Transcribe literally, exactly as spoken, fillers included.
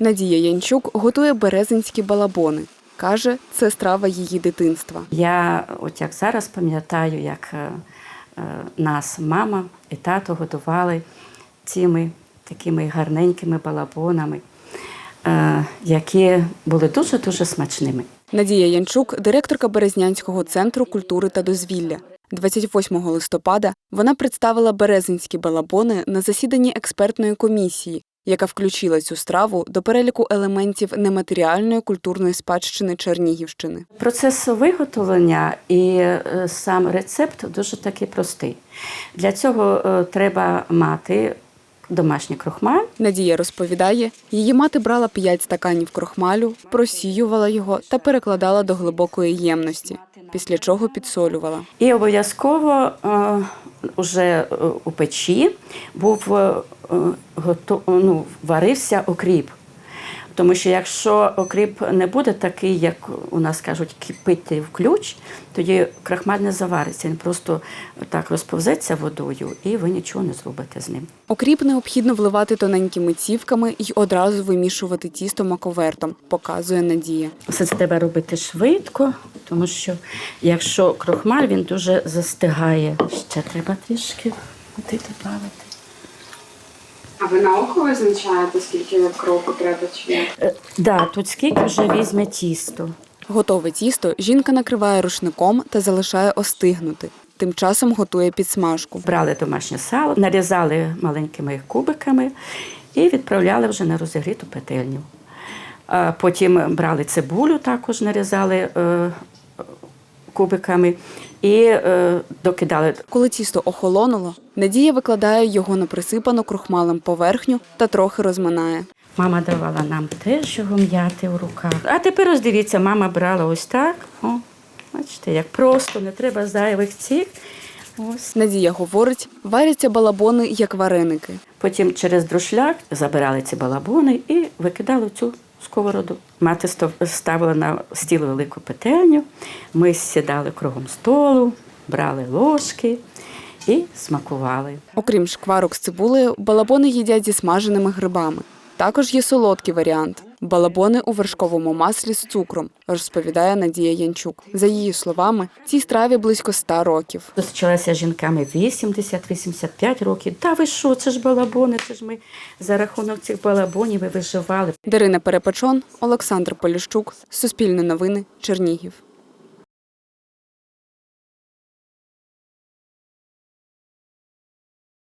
Надія Янчук готує березинські балабони. Каже, це страва її дитинства. Я от як зараз пам'ятаю, як е, е, нас мама і тато готували цими такими гарненькими балабонами, е, які були дуже-дуже смачними. Надія Янчук – директорка Березнянського центру культури та дозвілля. двадцять восьмого листопада вона представила березинські балабони на засіданні експертної комісії, яка включила цю страву до переліку елементів нематеріальної культурної спадщини Чернігівщини. Процес виготовлення і сам рецепт дуже такий простий. Для цього треба мати домашній крохмаль. Надія розповідає, її мати брала п'ять стаканів крохмалю, просіювала його та перекладала до глибокої ємності, після чого підсолювала. І обов'язково вже у печі був готов, ну, варився окріп. Тому що якщо окріп не буде такий, як у нас кажуть, кипити в ключ, тоді крахмаль не завариться, він просто так розповзеться водою і ви нічого не зробите з ним. Окріп необхідно вливати тоненькими цівками і одразу вимішувати тісто маковертом, показує Надія. Все це треба робити швидко, тому що якщо крохмаль, він дуже застигає. Ще треба трішки води додати. А ви на око визначаєте, скільки кропу треба чи як? Так, да, тут скільки вже візьме тісто. Готове тісто жінка накриває рушником та залишає остигнути. Тим часом готує підсмажку. Брали домашнє сало, нарізали маленькими кубиками і відправляли вже на розігріту пательню. Потім брали цибулю, також нарізали кубиками і е, докидали. Коли тісто охолонуло, Надія викладає його на присипану крохмалем поверхню та трохи розминає. Мама давала нам теж його м'яти в руках. А тепер ось дивіться, мама брала ось так. О, бачите, як просто, не треба зайвих цих. Ось. Надія говорить, варяться балабони як вареники. Потім через друшляк забирали ці балабони і викидали в цю сковороду. Мати ставила на стіл велику пательню, ми сідали кругом столу, брали ложки і смакували. Окрім шкварок з цибулею, балабони їдять зі смаженими грибами. Також є солодкий варіант – балабони у вершковому маслі з цукром, розповідає Надія Янчук. За її словами, цій страві близько ста років. Зустрічалася з жінками вісімдесят - вісімдесят п'ять років. Та ви що, це ж балабони, це ж ми за рахунок цих балабонів і виживали. Дарина Перепечон, Олександр Поліщук, Суспільне новини, Чернігів.